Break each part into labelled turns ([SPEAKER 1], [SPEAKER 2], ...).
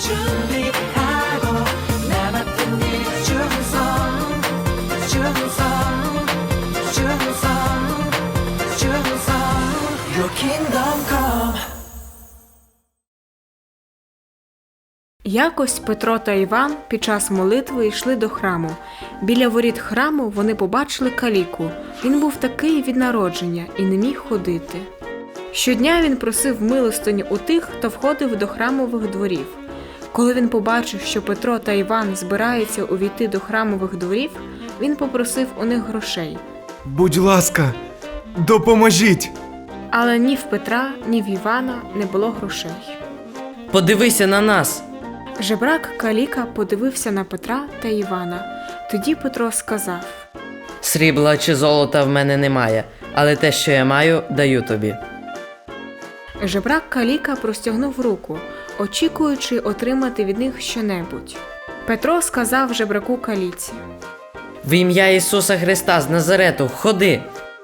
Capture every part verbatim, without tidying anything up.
[SPEAKER 1] 준비하고 남았던 일 충성 충성 충성 충성 Your kingdom come.
[SPEAKER 2] Якось Петро та Іван під час молитви йшли до храму. Біля воріт храму вони побачили каліку. Він був такий від народження і не міг ходити. Щодня він просив милостиню у тих, хто входив до храмових дворів. Коли він побачив, що Петро та Іван збираються увійти до храмових дворів, він попросив у них грошей.
[SPEAKER 3] Будь ласка, допоможіть!
[SPEAKER 2] Але ні в Петра, ні в Івана не було грошей.
[SPEAKER 4] Подивися на нас!
[SPEAKER 2] Жебрак каліка подивився на Петра та Івана. Тоді Петро сказав:
[SPEAKER 4] Срібла чи золота в мене немає, але те, що я маю, даю тобі.
[SPEAKER 2] Жебрак каліка простягнув руку, очікуючи отримати від них щонебудь. Петро сказав жебраку каліці:
[SPEAKER 4] В ім'я Ісуса Христа з Назарету, ходи!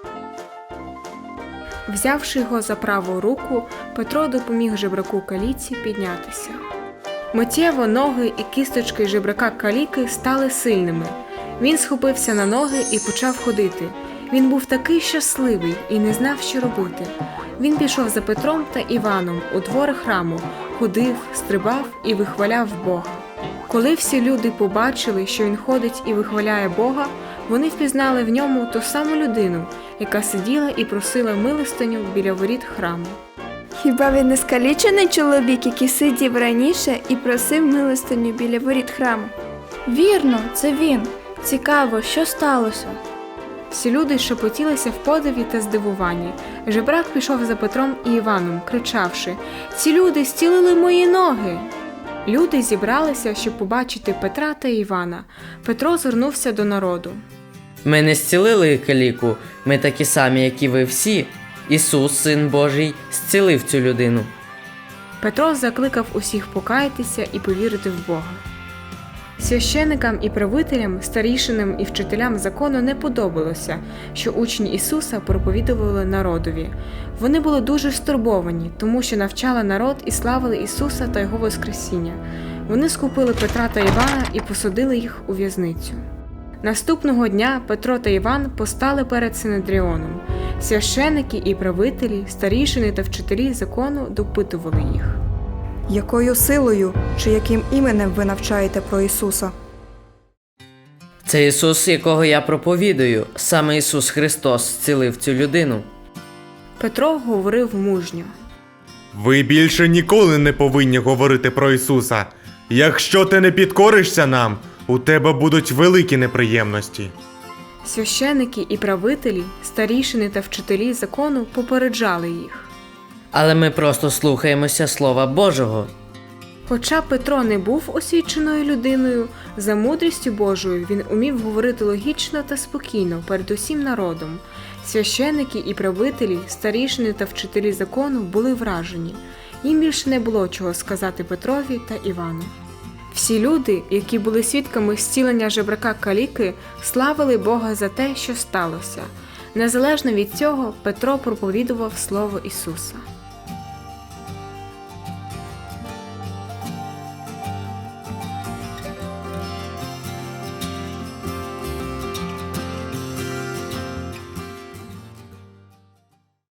[SPEAKER 2] Взявши його за праву руку, Петро допоміг жебраку каліці піднятися. Миттєво ноги і кісточки жебрака каліки стали сильними. Він схопився на ноги і почав ходити. Він був такий щасливий і не знав, що робити. Він пішов за Петром та Іваном у двори храму, ходив, стрибав і вихваляв Бога. Коли всі люди побачили, що він ходить і вихваляє Бога, вони впізнали в ньому ту саму людину, яка сиділа і просила милостиню біля воріт храму.
[SPEAKER 5] Хіба він не скалічений чоловік, який сидів раніше і просив милостиню біля воріт храму?
[SPEAKER 6] Вірно, це він. Цікаво, що сталося?
[SPEAKER 2] Всі люди шепотілися в подиві та здивуванні. Жебрак пішов за Петром і Іваном, кричавши: «Ці люди зцілили мої ноги!» Люди зібралися, щоб побачити Петра та Івана. Петро звернувся до народу.
[SPEAKER 4] Ми не зцілили каліку, ми такі самі, як і ви всі. Ісус, Син Божий, зцілив цю людину.
[SPEAKER 2] Петро закликав усіх покаятися і повірити в Бога. Священикам і правителям, старішинам і вчителям закону не подобалося, що учні Ісуса проповідували народові. Вони були дуже стурбовані, тому що навчали народ і славили Ісуса та Його Воскресіння. Вони схопили Петра та Івана і посадили їх у в'язницю. Наступного дня Петро та Іван постали перед Синедріоном. Священики і правителі, старішини та вчителі закону допитували їх.
[SPEAKER 7] Якою силою чи яким іменем ви навчаєте про Ісуса?
[SPEAKER 4] Це Ісус, якого я проповідую. Саме Ісус Христос зцілив цю людину.
[SPEAKER 2] Петро говорив мужньо.
[SPEAKER 3] Ви більше ніколи не повинні говорити про Ісуса. Якщо ти не підкоришся нам, у тебе будуть великі неприємності.
[SPEAKER 2] Священики і правителі, старішини та вчителі закону попереджали їх.
[SPEAKER 4] Але ми просто слухаємося Слова Божого.
[SPEAKER 2] Хоча Петро не був освіченою людиною, за мудрістю Божою він умів говорити логічно та спокійно перед усім народом. Священики і правителі, старішини та вчителі закону були вражені. Їм більше не було чого сказати Петрові та Івану. Всі люди, які були свідками зцілення жебрака каліки, славили Бога за те, що сталося. Незалежно від цього, Петро проповідував Слово Ісуса.